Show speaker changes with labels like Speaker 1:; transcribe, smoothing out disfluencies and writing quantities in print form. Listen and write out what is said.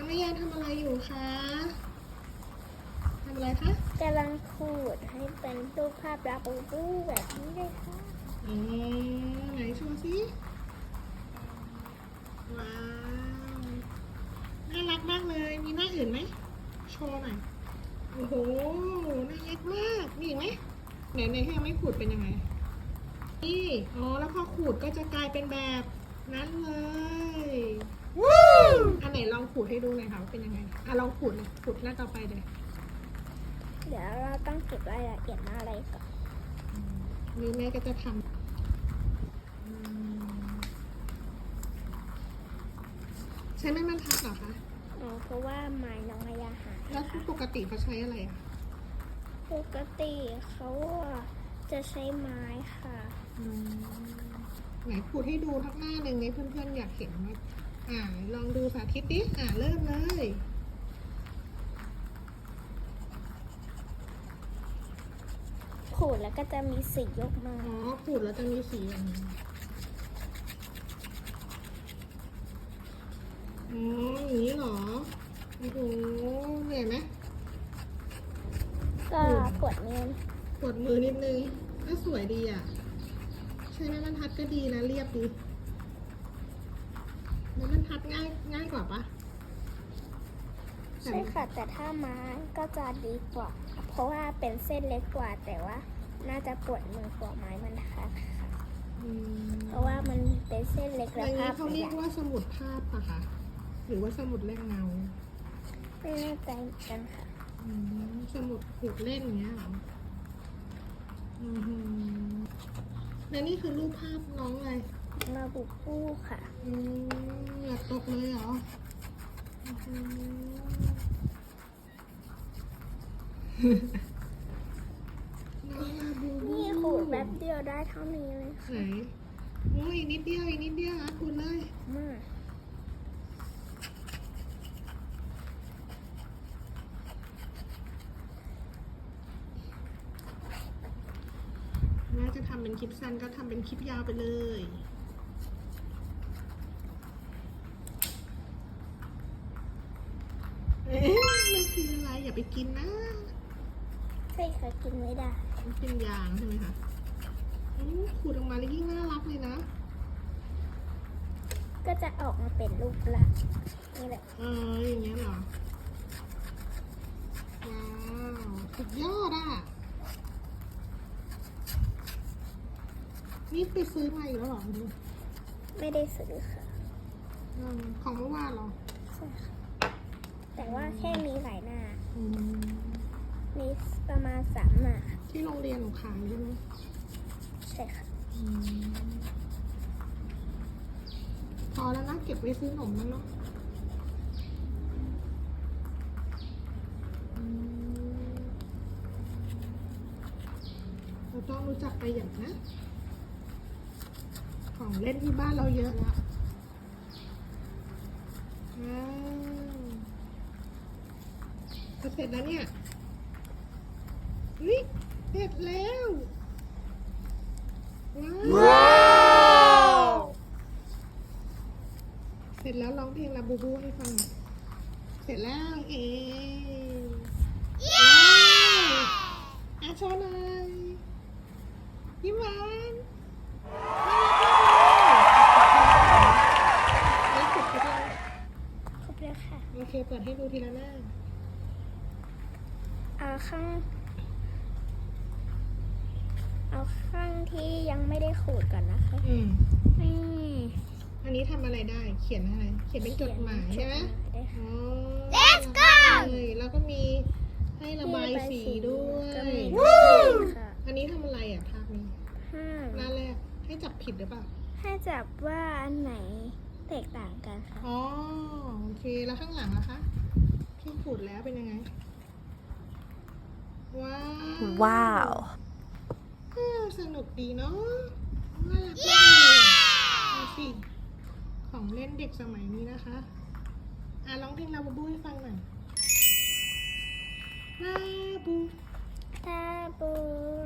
Speaker 1: แม่ยายทำอะไรอยู่คะทำอะไรคะ
Speaker 2: กำลังขูดให้เป็นรูปภาพลาบูบูแบบนี้เลยค่ะ
Speaker 1: ไหนโชว์สิว้าวน่ารักมากเลยมีหน้าอื่นไหมโชว์หน่อยโอ้โหน่ารักมากมีอีกไหมไหนที่ยังไม่ขูดเป็นยังไงนี่แล้วพอขูดก็จะกลายเป็นแบบนั้นเลยอันไหนลองขูดให้ดูหน่อยค่ะว่าเป็นยังไงลองขูดเลยขูดหน้าต่อไปเลย
Speaker 2: เดี๋ยวเราต้องเก็บรายละเอียดอะไรก่อน
Speaker 1: นี่แม่ก็จะทำใช้ไม้บรรทัดเหรอคะ
Speaker 2: เพราะว่าไม้น้องอายาหาย
Speaker 1: แล้วปกติเขาใช้อะไรอ่ะ
Speaker 2: ปกติเขาจะใช้ไม้ค่ะ
Speaker 1: ไหนขูดให้ดูทักหน้าหนึ่งนี้เพื่อนๆอยากเห็นว่าลองดูสาธิตดิเริ่มเลย
Speaker 2: ขูดแล้วก็จะมีสียกมา
Speaker 1: ขูดแล้วจะมีสีอย่างนี้อย่างนี้เหรอโอ้โหเหนื่อยไหม
Speaker 2: ก็ปวดมือ
Speaker 1: ปวดมือนิดนึงก็สวยดีอ่ะใช้ไม้บรรทัดก็ดีนะเรียบดีไม้บรรทัดง่ายกว่าปะ
Speaker 2: ใช่ค่ะ แต่ถ้าไม้ก็จะดีกว่า เพราะว่าเป็นเส้นเล็กกว่า แต่ว่าน่าจะปวดมือกว่าไม้บรรทัดค่ะ เพราะว่ามันเป็นเส้นเล็ก
Speaker 1: อ
Speaker 2: และ
Speaker 1: ย่าง
Speaker 2: ภา
Speaker 1: นี้
Speaker 2: พ
Speaker 1: เขาเรียกว่าสมุดภาพปะคะหรือว่าสมุดแรงเงา
Speaker 2: ไม่แน่ใจเหมือนกันค่ะ
Speaker 1: สมุดขูดเล่นอย่างเงี้ยเหรอและนี่คือรูปภาพน้องอะไร
Speaker 2: ลาบูบูค่ะ
Speaker 1: เหงื่อตกเลยเหรอน้องลาบูบู
Speaker 2: นี่ขูดแป๊บเดียวได้เท่านี้เลย
Speaker 1: ไหน
Speaker 2: ค่ะ
Speaker 1: โอ้ยอีกนิดเดียวขูดเลย
Speaker 2: มาก
Speaker 1: แม่จะทำเป็นคลิปสั้นก็ทำเป็นคลิปยาวไปเลยมันคืออะไรอย่าไปกินนะ
Speaker 2: ใช่ค่ะกินไม่ได้
Speaker 1: มันเป็นยางใช่ไหมคะขูดออกมาแล้วยิ่งน่ารักเลยนะ
Speaker 2: ก็จะออกมาเป็นรูปลักษณ์นี่แหละ
Speaker 1: อย่างเงี้ยเหรอ ว้าวสุดยอดอ่ะ นี่ไปซื้อมาอีกแล้วเหรอ
Speaker 2: ไม่ได้ซื้อค่ะ
Speaker 1: ของเมื่อวานเหรอ
Speaker 2: ใช่ค่ะ แต่ว่าแค่มีหลายหน้า
Speaker 1: อืม
Speaker 2: มีประมาณ3 หน้า
Speaker 1: ที่โรงเรียนหนูขายใช่ไหม
Speaker 2: ใช่ค่ะ
Speaker 1: พอแล้วนะเก็บไว้ซื้อขนมมั้งเนาะเราต้องรู้จักประหยัดนะ ของเล่นที่บ้านเราเยอะแล้วจะเสร็จแล้วเนี่ยเสร็จแล้ว ว้าว เสร็จแล้วร้องเพลงลาบูบูให้ฟัง เสร็จแล้วเย้โชว์หน่อยยิ้มหวานแล้วขบกัน
Speaker 2: ครบแล้วค่ะ
Speaker 1: โอเคเปิดให้ดูทีละหน้า
Speaker 2: เอาข้างที่ยังไม่ได้ขูดก่อนนะคะนี่
Speaker 1: อันนี้ทำอะไรได้ เขียนอะไร เขียนเป็นจดหมายใช่ไหม
Speaker 2: ได้ค่ะ
Speaker 1: Let's go แล้วก็มีให้ระบายสีด้วย
Speaker 2: ก็มีค่ะ
Speaker 1: อันนี้ทำอะไรอ่ะภาพนี้ หน้าแรกให้จับผิดหรือเปล่า
Speaker 2: ให้จับว่าอันไหนแตกต่างกันค่ะ
Speaker 1: โอเค แล้วข้างหลังล่ะคะที่ขูดแล้วเป็นยังไง ว้าวสนุกดีเนาะน่ารักมากเลยดูสิของเล่นเด็กสมัยนี้นะคะร้องเพลงลาบูบูให้ฟังหน่อยลาบู
Speaker 2: ตาบู